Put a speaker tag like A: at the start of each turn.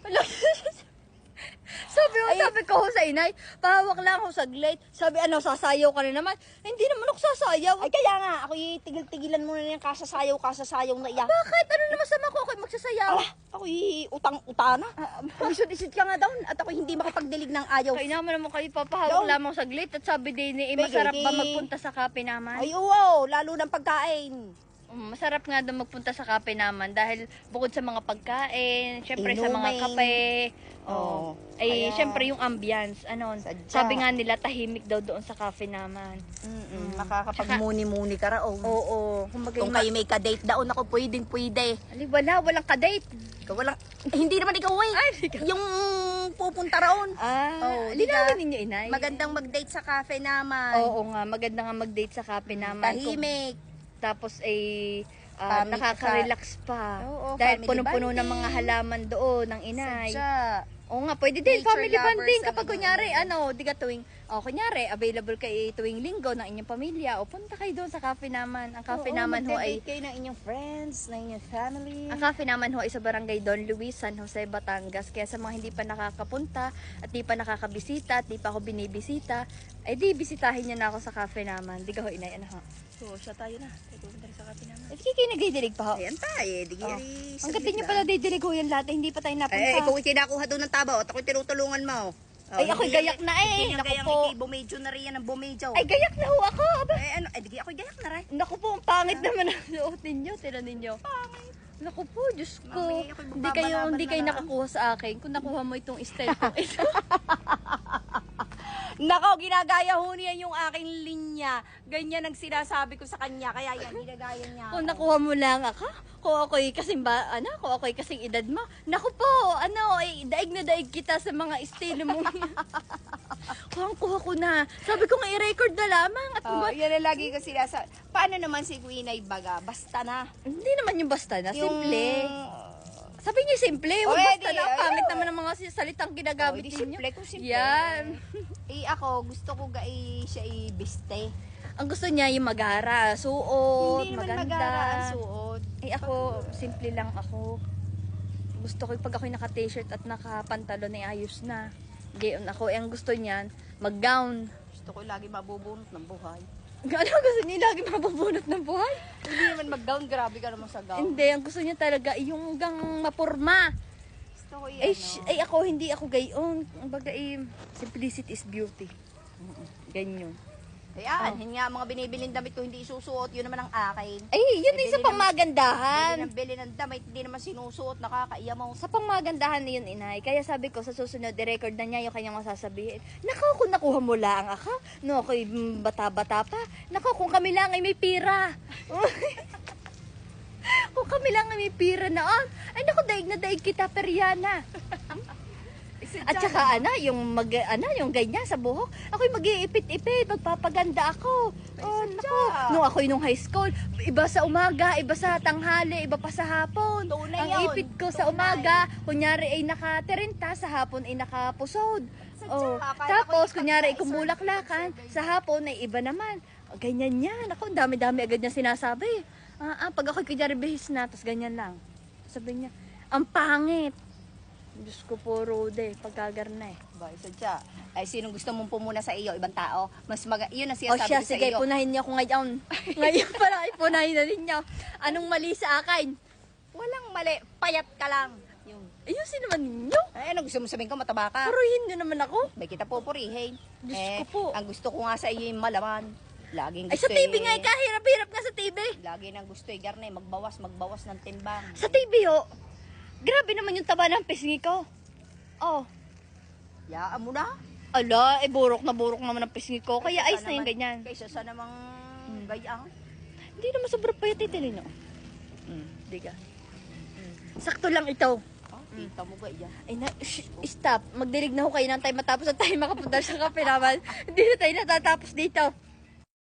A: Sabi ko sa inay, pahawak lang ako saglit. Sabi, sasayaw ka na naman. Hindi naman ako sasayaw.
B: Ay, kaya nga, ako tigil-tigilan muna na yung kasasayaw na iya.
A: Bakit? Ano naman sama ko? Ako'y magsasayaw.
B: Ala, ako utang-utana. Isod-isod ka nga daw at ako hindi makapagdilig ng ayaw.
A: Kaya naman kayo papahawak lamang saglit. At sabi din ni, masarap ba magpunta sa kape naman?
B: Ay, oo, lalo ng pagkain.
A: Masarap nga daw magpunta sa kape naman dahil bukod sa mga pagkain, syempre sa mga kape, syempre yung ambience, sabi nga nila tahimik daw doon sa kape naman.
B: Makakapagmuni-muni ka raw.
A: Oo.
B: Kung kayo may ka-date daon ako, pwede.
A: Walang ka-date.
B: Hindi naman ikaw yung pupunta raon.
A: Linawin ninyo, inay.
B: Magandang mag-date sa cafe naman.
A: Oo nga, maganda nga mag-date sa kape naman.
B: Tahimik.
A: Tapos nakaka-relax pa.
B: Oo,
A: dahil
B: family
A: punong-puno ng
B: bonding.
A: mga halaman doon ng inay.
B: Sadya.
A: Oo nga, pwede din
B: Nature
A: family
B: lovers
A: bonding
B: ang
A: kapag kunyari, kunyari, available kayo tuwing linggo ng inyong pamilya o punta kayo doon sa cafe naman. Ang cafe naman ho ay,
B: mag-date kayo ng inyong friends, ng inyong family.
A: ang cafe naman ho ay sa barangay Don Luis, San Jose, Batangas. Kaya sa mga hindi pa nakakapunta at di pa nakakabisita at di pa ako binibisita, ay di bisitahin niyo na ako sa cafe naman. Di ka ho, inay, ho?
B: So, siya tayo na. Tayo pupunta rin sa cafe naman.
A: Di kayo nagdidilig pa ho?
B: Ayan tayo,
A: Ang gatin niyo pala didilig ho yan lahat, hindi pa tayo napunta.
B: ikaw kinakuha doon ng taba at ako'y tinutulungan mo.
A: Ay, ako'y gayak na
B: Hindi
A: Naku
B: gayang
A: po.
B: bumedyo na rin yan ang bumedyo.
A: Ay, gayak na ho ako. Aba.
B: Di ako'y gayak na rin.
A: Naku po, ang pangit naman ang suot ninyo. Tinan ninyo.
B: Pangit.
A: Naku po, Diyos ko.
B: Mamaya ako'y
A: Hindi kayo
B: magbabalaban na lang.
A: nakakuha sa akin. Kung nakuha mo itong style ko.
B: Nako, ginagaya ho niya yung aking linya. Ganyan ang sinasabi ko sa kanya. Kaya yan, ginagaya niya.
A: Kung nakuha mo lang ako, kung ako'y kasing kung ako'y kasing edad mo. Naku po, daig na daig kita sa mga estilo mo. Kuha ko na. Sabi ko nga i-record na lamang. At
B: Yan ang lagi ko sinasabi. Paano naman si Queen ay baga? Basta na.
A: hindi naman yung basta na,
B: Yung-
A: simple. Sabi niyo simple, huwag
B: Oh,
A: basta
B: di,
A: na. Ang pangit
B: ayun.
A: naman ng mga salitang ginagamit
B: Di
A: ninyo.
B: simple kung simple.
A: Yan.
B: Ako, gusto ko siya ibiste.
A: Ang gusto niya yung magara, suot,
B: Hindi naman
A: maganda.
B: magara ang suot.
A: Ako, simple lang ako. Gusto ko pag ako'y naka-t-shirt at naka-pantalon ay ayos na. Gayon ako. Ang gusto niyan, mag-gown.
B: Gusto ko lagi mabubunot ng buhay.
A: Ano gusto niya lagi mabubunot ng buhay?
B: Hindi naman mag-gown, grabe ka naman sa gown.
A: Hindi, ang gusto niya talaga yung gang mapurma.
B: Gusto ko
A: Ako, hindi ako gayon. Ang bagay, simplicity is beauty. Ganyan.
B: Yun nga, mga binibiling damit ko hindi isusuot, yun naman ang akin.
A: Ay, yun din sa
B: Bili
A: pangmagandahan.
B: bili ng damit, hindi naman sinusuot, nakakaiya mo.
A: Sa pangmagandahan na yun, inay. Kaya sabi ko, sa susunod, i-record na niya yung kanyang masasabihin. Nako, kung nakuha mo lang ako, no, ako'y bata-bata pa. Nako, kung kami lang ay may pira. Kung kami lang ay may pira na, ay nako, daig na daig kita, Periana. At saka yung yung ganyan sa buhok, ako'y mag-iipit-ipit, magpapaganda ako. Nako, nung high school, iba sa umaga, iba sa tanghali, iba pa sa hapon.
B: Tunay
A: Ang
B: yun.
A: ipit ko sa
B: Tunay.
A: umaga, kunyari ay naka-30, sa hapon ay nakapusod.
B: akala
A: Tapos
B: ko yung
A: kunyari ay
B: pagka-isang
A: kumulaklakan, sa hapon ay iba naman. Ganyan yan. Ako, dami-dami agad niya sinasabi. Pag ako'y kunyari bihis na, tapos ganyan lang. Sabi niya, ang pangit. Diyos ko po, Rode, pagkagarna eh.
B: Ba, sadya. Ay, sinong gusto mong pumuna sa iyo? Ibang tao? Yun ang
A: O
B: sinasabi
A: siya,
B: ko sa
A: sige,
B: iyo.
A: punahin niyo ako ngayon. Ngayon pala, punahin na ninyo. Anong mali sa akin?
B: Walang mali, payat ka lang. Yung,
A: Ayusin naman ninyo.
B: ano gusto mo sabihin ko, mataba ka?
A: Puruhin niyo naman ako.
B: May kita pupurihin.
A: Diyos ko po.
B: Ang gusto ko nga sa iyo yung malaman. Laging
A: Ay,
B: gusto
A: sa TV nga, kahirap-hirap nga sa TV.
B: Lagi nang gusto garne, magbawas ng timbang.
A: Sa TV, ho. Grabe naman yung taba ng pisngi ko. Oh.
B: Yaan mo na.
A: Ala, burok naman ang pisngi ko. Kaya ayos na yung ganyan.
B: Kaysa sa namang gayang.
A: Hindi naman sobrang payat itilin, no? Diga. Sakto lang ito.
B: Kita mo gaya.
A: Ay na, stop. Magdilig na ho kayo ng time matapos at tayo makapunta sa kape naman. Hindi na tayo natatapos dito.